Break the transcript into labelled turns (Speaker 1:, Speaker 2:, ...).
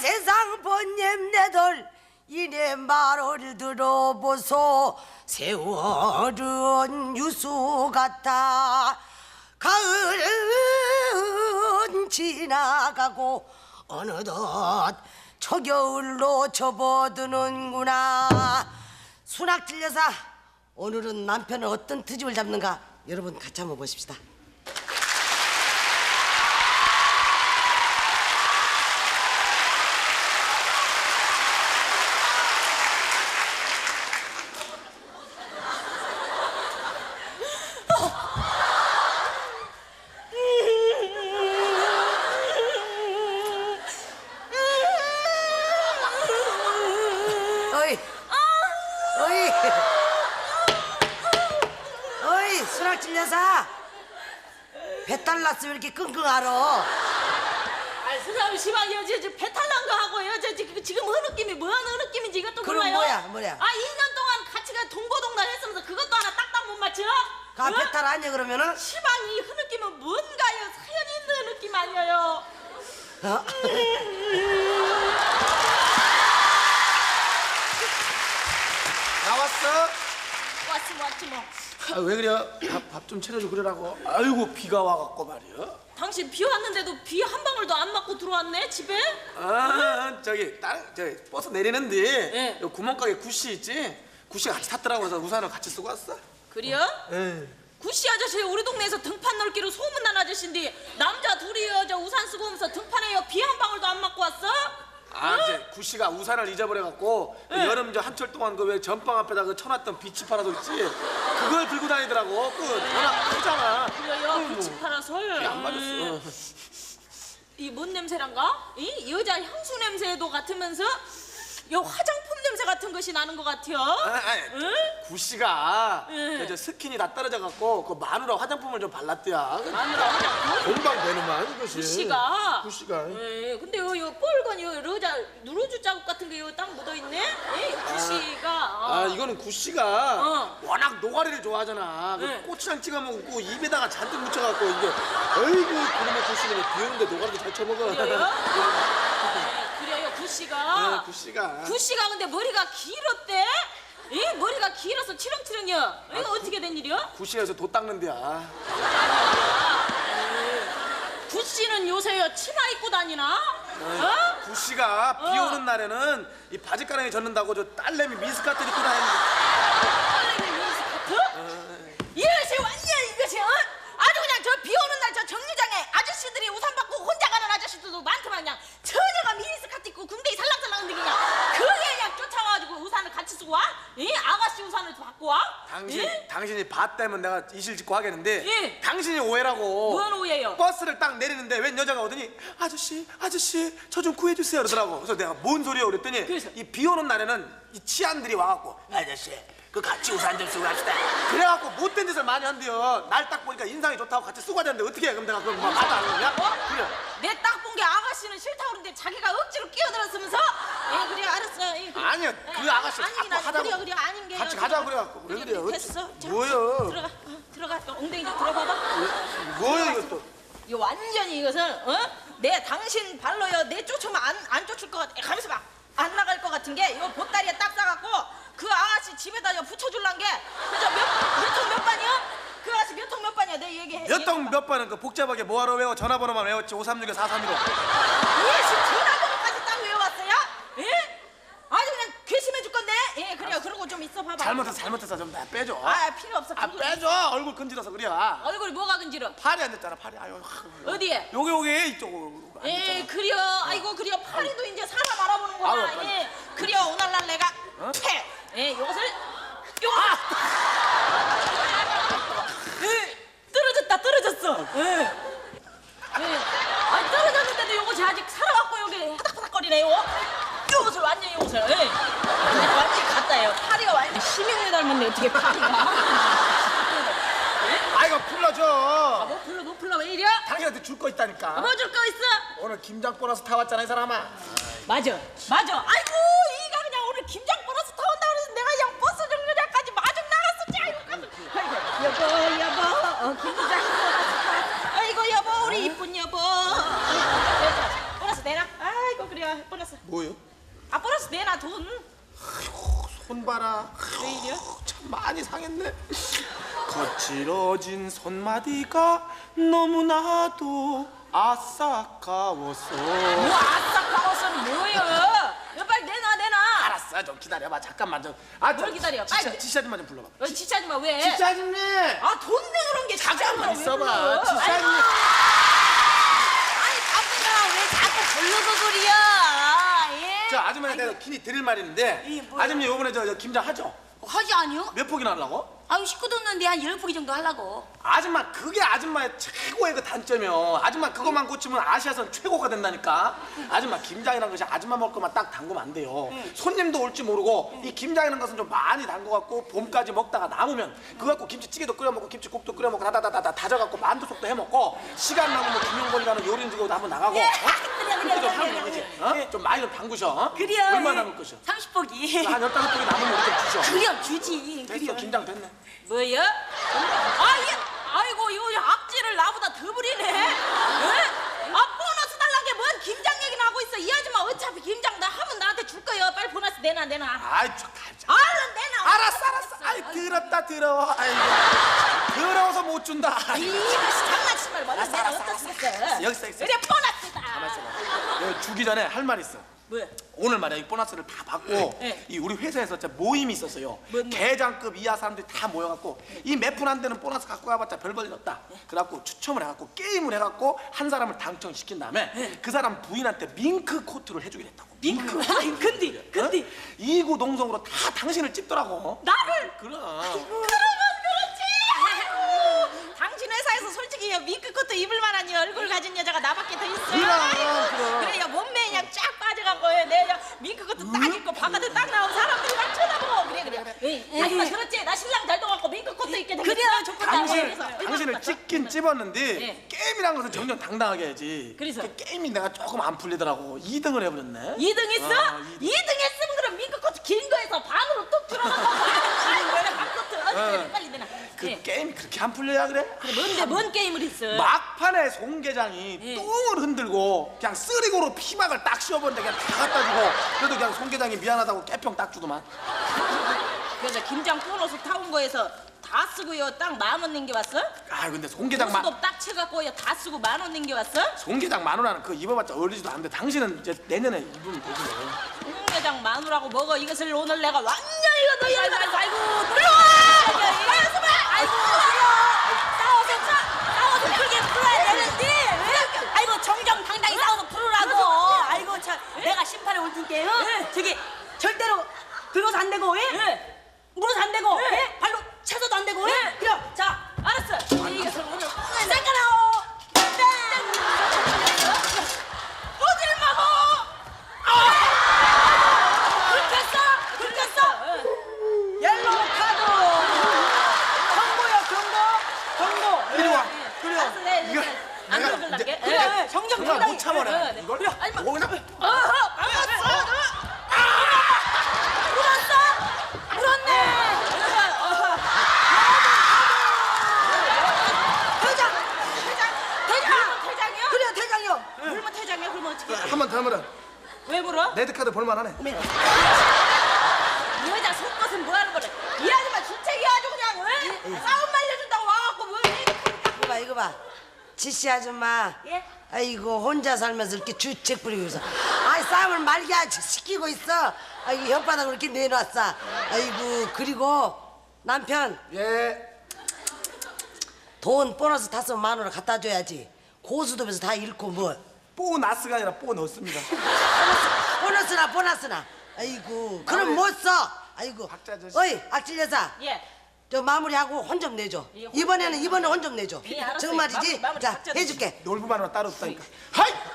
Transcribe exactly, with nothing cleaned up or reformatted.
Speaker 1: 세상 번님네들 이내 말을 들어보소. 세월은 유수 같아 가을은 지나가고 어느덧 초겨울로 접어드는구나. 순학질 여사, 오늘은 남편은 어떤 트집을 잡는가 여러분 같이 한번 보십시다. 어이, 어이, 어이, 순학질 여사, 배탈 났으면 이렇게 끙끙 앓어.
Speaker 2: 아, 사람 시방이요. 저, 저 배탈 난 거 하고요. 저, 저 지금 어느 느낌이 뭐 어느 느낌인지 이것도
Speaker 1: 그럼
Speaker 2: 몰라요.
Speaker 1: 뭐야, 뭐야?
Speaker 2: 아, 이 년 동안 같이 가 동고동단 했으면서 그것도 하나 딱딱 못 맞춰?
Speaker 1: 가
Speaker 2: 어?
Speaker 1: 배탈 아니야 그러면은?
Speaker 2: 시방이 그 느낌은 뭔가요? 사연 있는 느낌 아니에요?
Speaker 1: 어?
Speaker 3: 나왔어?
Speaker 2: 왔지 왔지 뭐.
Speaker 3: 아, 왜 그래? 밥 좀 차려줘 그러라고. 아이고 비가 와갖고 말이야.
Speaker 2: 당신 비 왔는데도 비 한 방울도 안 맞고 들어왔네 집에?
Speaker 3: 아 저기 딸 저기 버스 내리는데
Speaker 2: 네.
Speaker 3: 요 구멍가게 구씨 있지? 구씨가 같이 탔더라고. 그래서 우산을 같이 쓰고 왔어.
Speaker 2: 그래요?
Speaker 3: 예.
Speaker 2: 구씨 아저씨 우리 동네에서 등판 넓기로 소문난 아저씨인데 남자 둘이요 저 우산 쓰고 오면서 등판에요 비 한 방울도 안 맞고 왔어?
Speaker 3: 아 이제 구씨가 우산을 잊어버려갖고 그
Speaker 2: 네.
Speaker 3: 여름 저 한철 동안 그 왜 전방 앞에다 그 쳐놨던 비치 파라솔 있지? 그걸 들고 다니더라고. 그 워낙 크잖아.
Speaker 2: 그래요 비치 파라솔.
Speaker 3: 안 맞았어.
Speaker 2: 이 뭔 냄새란가? 이 여자 향수 냄새도 같으면서 요 화장품 냄새 같은 것이 나는 것 같아요.
Speaker 3: 아, 아,
Speaker 2: 응?
Speaker 3: 구씨가
Speaker 2: 응.
Speaker 3: 저 스킨이 다 떨어져갖고 그 마누라 화장품을 좀 발랐대야.
Speaker 2: 마누라 화장품?
Speaker 3: 공방 되는만 이것이.
Speaker 2: 구씨가.
Speaker 3: 구씨가.
Speaker 2: 예, 근데 요, 요 빨간 요 러자 누러주 자국 같은 게 요 딱 묻어 있네. 예, 구씨가.
Speaker 3: 아 이거는 구씨가
Speaker 2: 어.
Speaker 3: 워낙 노가리를 좋아하잖아. 그
Speaker 2: 네.
Speaker 3: 고추장 찍어 먹고 입에다가 잔뜩 묻혀갖고 이게 어이구 그놈의 구씨는 비 오는데 노가리도 잘 쳐먹어.
Speaker 2: 그래요? 네, 그래요 구씨가.
Speaker 3: 네, 구씨가.
Speaker 2: 구씨가 근데 머리가 길었대? 예? 머리가 길어서 치렁치렁이요. 이거 어떻게 된 일이요?
Speaker 3: 구씨가 여기서 도 닦는 데야.
Speaker 2: 구씨는 요새요 치마 입고 다니나? 어?
Speaker 3: 구씨가 비
Speaker 2: 어.
Speaker 3: 오는 날에는 이 바지가랑이 젖는다고 저 딸내미 미스카트 입고 다니는.
Speaker 2: 딸내미 미니스커트? 이것이 완전 이것이 어? 아주 그냥 저 비 오는 날 저 정류장에 아저씨들이 우산 받고 혼자 가는 아저씨들도 많더만 그냥 처녀가 미니스커트 입고 군대에 살랑살랑한데 그냥 그게 그냥 쫓아와가지고 우산을 같이 쓰고 와? 예? 아가씨 우산을 받고 와?
Speaker 3: 당신
Speaker 2: 예?
Speaker 3: 당신이 봤다면 내가 이실 짓고 하겠는데
Speaker 2: 예.
Speaker 3: 당신이 오해라고.
Speaker 2: 뭔 오해요?
Speaker 3: 버스를 딱 내리는데 웬 여자가 오더니 아저씨 아저씨 저 좀 구해주세요 그러더라고. 그래서 내가 뭔 소리야 그랬더니
Speaker 2: 그래서?
Speaker 3: 이 비 오는 날에는 이 치안들이 와갖고 아저씨 그 같이 우산 좀 쓰고 갑시다. 그래갖고 못된 짓을 많이 한대요. 날 딱 보니까 인상이 좋다고 같이 쓰고 하자는데 어떻게 해? 그럼 내가 그럼 막 말도 안 하냐?
Speaker 2: 어?
Speaker 3: 그래.
Speaker 2: 내 딱 본 게 아가씨는 싫다고 그러는데 자기가 억지로 끼어들었으면서 예 그래 알았어 예, 그래.
Speaker 3: 아니요, 그
Speaker 2: 예,
Speaker 3: 아가씨
Speaker 2: 아니긴
Speaker 3: 자꾸
Speaker 2: 아니,
Speaker 3: 하자고.
Speaker 2: 그래 그래 아닌 게
Speaker 3: 같이 가자고 그래갖고. 왜
Speaker 2: 그래,
Speaker 3: 그래요?
Speaker 2: 됐어 자,
Speaker 3: 뭐예요?
Speaker 2: 들어가 어, 들어가 엉덩이 좀 들어봐봐
Speaker 3: 뭐야 이것도?
Speaker 2: 이거 완전히 이것은 어? 내 당신 발로요 내 쫓으면 안, 안 쫓을 것 같아 가면서 막 안 나갈 것 같은 게 이거 보따리에 딱 싸갖고 그 아가씨 집에다 요 붙여줄란 게 그저 몇통 몇 반이요? 그 아가씨 몇 통 몇 반이야 내 얘기해
Speaker 3: 몇 통 몇 번은 그 복잡하게 뭐하러 외워? 전화번호만 외웠지. 오삼육에 사삼일오.
Speaker 2: 예씨 전화번호까지 딱 외워왔어요? 예? 아주 그냥 괘씸해 죽 건데 예 그래요 그러고 좀 있어 봐봐
Speaker 3: 잘못했어 잘못했어 좀 다 빼줘.
Speaker 2: 아 필요 없어
Speaker 3: 아
Speaker 2: 그거-
Speaker 3: 빼줘. 얼굴 건질어서 그래.
Speaker 2: 얼굴이 뭐가 근질어
Speaker 3: 팔이 안 됐잖아 팔이. 아유.
Speaker 2: 어디에?
Speaker 3: 여기 여기 이쪽으로. 안
Speaker 2: 예
Speaker 3: 됐잖아.
Speaker 2: 그려 아이고 그려 파리도 이제 사람 알아보는구나
Speaker 3: 아유, 빨리.
Speaker 2: 예 그려 오늘날 내가
Speaker 3: 어?
Speaker 2: 퇴! 예 요것을 요것 예 떨어졌다 떨어졌어 예 예. 아니 떨어졌는데도 요것이 아직 살아갖고 여기 파닥파닥거리네요 요것을 완전히 요것을 예 완전히 갔다요 파리가 완전 심형래 닮았네 어떻게 파리가
Speaker 3: 아이고 불러줘.
Speaker 2: 뭐 불러 뭐 불러 왜 이래?
Speaker 3: 당신한테 줄 거 있다니까.
Speaker 2: 뭐 줄 거 있어?
Speaker 3: 오늘 김장 보너스 타왔잖아 이 사람아.
Speaker 2: 맞아 맞아 아이고 이가 그냥 오늘 김장 보너스 타온다 그래서 내가 그냥 버스 정류장까지 마중 나갔었지 아이고 여보 여보 어, 김장 보너스 타 아이고 여보 우리 이쁜 여보 보너스 내라 아이고 그래 보너스
Speaker 3: 뭐요?
Speaker 2: 아 보너스 내놔 돈.
Speaker 3: 손 봐라.
Speaker 2: 왜 이래?
Speaker 3: 참 많이 상했네. 거칠어진 손마디가 너무나도 아싸까웠어.
Speaker 2: 뭐 아싸 까워서는 뭐예요? 야, 빨리 내놔 내놔.
Speaker 3: 알았어, 좀 기다려봐. 잠깐만 좀. 아,
Speaker 2: 뭘 기다려?
Speaker 3: 지시,
Speaker 2: 빨리.
Speaker 3: 지시 아줌마 좀 불러봐.
Speaker 2: 어, 지차지 마 왜?
Speaker 3: 지시 아줌마.
Speaker 2: 아돈 내그런 게
Speaker 3: 잠깐만
Speaker 2: 지차지
Speaker 3: 있어봐.
Speaker 2: 마.
Speaker 3: 지시
Speaker 2: 아니,
Speaker 3: 아줌마.
Speaker 2: 아니 바쁘다 왜 자꾸 부르고 그리야? 예?
Speaker 3: 저 아줌마한테 내가 긴히 드릴 말이 있는데,
Speaker 2: 이, 뭐야?
Speaker 3: 아줌마 요번에 저, 저 김장 하죠?
Speaker 4: 하지 아니요?
Speaker 3: 몇 폭이나 하려고?
Speaker 4: 아유 식구도 없는데 한 열 포기 정도 하려고.
Speaker 3: 아줌마 그게 아줌마의 최고의 그 단점이요. 아줌마 그것만 고치면 아시아선 최고가 된다니까. 아줌마 김장이라는 것이 아줌마 먹을 것만 딱 담그면 안 돼요. 손님도 올지 모르고 이 김장이라는 것은 좀 많이 담궈갖고 봄까지 먹다가 남으면 그거 갖고 김치찌개도 끓여 먹고 김치국도 끓여 먹고 다다다다 다져갖고 만두속도 해 먹고 시간 나면 뭐 김용건이라는 요리인 지고 한번 나가고. 어?
Speaker 4: 그래, 그래,
Speaker 3: 그렇게 좀
Speaker 4: 그래,
Speaker 3: 하면
Speaker 4: 그래,
Speaker 3: 되지. 어? 좀 많이 좀 담그셔. 어?
Speaker 4: 그래요.
Speaker 3: 얼마나 담글 것이요?
Speaker 4: 삼십 포기.
Speaker 3: 한 열다섯 폭이 남으면 우리 좀 주셔.
Speaker 4: 그래 주지.
Speaker 3: 됐어,
Speaker 4: 그래.
Speaker 3: 김장 됐네.
Speaker 2: 뭐야? 아 이게 아이고 이거 악질을 나보다 더 부리네. 예? 아 보너스 달란 게 뭔 김장 얘기나 하고 있어. 이 아줌마 어차피 김장 나 하면 나한테 줄 거야. 빨리 보너스 내놔 내놔.
Speaker 3: 아이, 저 가자.
Speaker 2: 얼른 내놔.
Speaker 3: 알았어, 알았어. 아이, 더럽다, 더러워. 아이고. 더러워서 못 준다.
Speaker 2: 이 장난치지 말고 얼른
Speaker 3: 알았어,
Speaker 2: 내놔.
Speaker 3: 알았어,
Speaker 2: 어떻게
Speaker 3: 알았어.
Speaker 2: 했어?
Speaker 3: 여기 있어, 여기 있어.
Speaker 2: 그래 보너스다.
Speaker 3: 가만있어 봐. 여기 주기 전에 할 말 있어.
Speaker 2: 뭐야?
Speaker 3: 오늘 말이야 이 보너스를 다 받고
Speaker 2: 네.
Speaker 3: 이 우리 회사에서 진짜 모임이 있었어요.
Speaker 2: 뭔 모임?
Speaker 3: 계장급 이하 사람들이 다 모여갖고 이 몇 푼 안 되는 보너스 갖고 가봤자 별 볼일 없다. 그래갖고 추첨을 해갖고 게임을 해갖고 한 사람을 당첨시킨 다음에 그 사람 부인한테 밍크 코트를 해주기로 했다고.
Speaker 2: 밍크. 아니 근데 근데
Speaker 3: 어? 이구동성으로 다 당신을 찝더라고.
Speaker 2: 나를
Speaker 3: 그럼.
Speaker 2: 그러면 그렇지. 당신 회사에서 솔직히 밍크 코트 입을 만한 이 얼굴 가진 여자가 나밖에 더 있어.
Speaker 3: 그럼,
Speaker 2: 아이고,
Speaker 3: 그럼.
Speaker 2: 그래 야 몸매 그냥 쫙 빠져갖고 내 저 밍크 코트 딱 입고 바깥에 딱 나온 사람들이 막 쳐다보고 그래 그래. 예, 아줌마 그렇지. 나 신랑 잘 돼갖고 밍크 코트 입게 됐어.
Speaker 4: 그래, 좋겠다.
Speaker 3: 당신을,
Speaker 2: 그래서
Speaker 3: 당신을 찍긴 찝었는데
Speaker 2: 예.
Speaker 3: 게임이란 것은 정정 당당하게 해야지.
Speaker 2: 그래서?
Speaker 3: 그 게임이 내가 조금 안 풀리더라고. 이 등을 해버렸네.
Speaker 2: 이 등 했어?
Speaker 3: 어,
Speaker 2: 이 등 했으면 그럼 밍크 코트 긴 거에서 반으로 뚝 줄어갖고 아이고 내가 반 코트 어디 그래 빨리 내놔.
Speaker 3: 그
Speaker 2: 예.
Speaker 3: 게임이 그렇게 안 풀려야 그래?
Speaker 2: 그래 뭔데 뭔 게임을 했어?
Speaker 3: 막판에 송 계장이
Speaker 2: 예.
Speaker 3: 똥을 흔들고 그냥 쓰리고로 피막을 딱 씌워버리는데 그냥 다 갖다 주고 그래도 그냥 송 계장이 미안하다고 깨평 딱 주더만.
Speaker 2: 그래서 김장 보너스 타온 거에서 다 쓰고요 딱 만 원 남겨왔어?
Speaker 3: 아 근데 송 계장 만,
Speaker 2: 수도 딱 채갖고요 다 쓰고 만 원 남겨왔어?
Speaker 3: 송 계장 만 원하는 그거 입어봤자 어울리지도 않는데 당신은 이제 내년에 입으면 되지 뭐.
Speaker 2: 홍게장 마누라고 먹어 이것을 오늘 내가 완전히 이거 너 아이고 아이고 아이고 들어와! 아이고 아이고
Speaker 4: 싸워서 차, 싸워서 크게 풀어야 되는데 왜? 아이고 정정당당히 싸워서 풀으라고. 아이고 참 내가 심판에 올 테니까요.
Speaker 2: 네.
Speaker 4: 저기 절대로 들어서 안 되고, 예?
Speaker 2: 네.
Speaker 4: 물어서 안 되고,
Speaker 2: 네.
Speaker 4: 예? 발로 차서도 안 되고, 예?
Speaker 2: 네.
Speaker 4: 그럼 자
Speaker 2: 알았어 이것을 오늘
Speaker 4: 시작하라오.
Speaker 2: 어딜 막어!
Speaker 4: 긁혔어, 긁혔어. 옐로우 카드. 경고요, 경고, 경고.
Speaker 3: 이리 와. 그래.
Speaker 2: 알았어 내
Speaker 3: 이거
Speaker 2: 안
Speaker 3: 내가
Speaker 2: 그럴게
Speaker 3: 이제-
Speaker 4: 그래,
Speaker 2: 네.
Speaker 4: 정정
Speaker 3: 정말
Speaker 4: 당당히.
Speaker 3: 못 참아내.
Speaker 2: 네, 네.
Speaker 3: 이걸
Speaker 2: 아니, 뭐-
Speaker 3: 뭐 그냥
Speaker 2: 어허 알았어
Speaker 4: 물었어? 물었네. 대장,
Speaker 2: 대장 대장이요?
Speaker 4: 그래 대장이요.
Speaker 2: 물면 대장이야 그러면 어떻게
Speaker 3: 한 번 더 물어.
Speaker 2: 왜 물어?
Speaker 3: 레드카드 볼만하네.
Speaker 2: 이 여자 속것은 뭐 하는 거래? 이 아줌마 주책이야 아주 그냥 왜? 싸움 말려준다고 와갖고 뭐
Speaker 1: 이거 봐 이거 봐 지씨 아줌마
Speaker 2: 예?
Speaker 1: 아이고 혼자 살면서 이렇게 주책 부리고서 아이 싸움을 말게 하지 시키고 있어. 아이고 혓바닥으로 이렇게 내놨어. 아이고 그리고 남편
Speaker 3: 예.
Speaker 1: 돈 보너스 탔으면 만 원을 갖다 줘야지. 고수도면서 다 잃고 뭐
Speaker 3: 보너스가 아니라 보너스입니다.
Speaker 1: 보너스나 보너스나 아이고 그럼 못 써. 아이고
Speaker 3: 박자 아저씨.
Speaker 1: 어이 악질 여사
Speaker 2: 예.
Speaker 1: 저 마무리하고 혼 좀 내줘.
Speaker 2: 예, 혼
Speaker 1: 이번에는 이번에 혼 좀 내줘.
Speaker 2: 예, 알았어요.
Speaker 1: 정말이지?
Speaker 2: 마무리, 마무리
Speaker 1: 자
Speaker 2: 박자
Speaker 1: 해줄게.
Speaker 3: 놀부만 하나 따로 없다니까. 하이!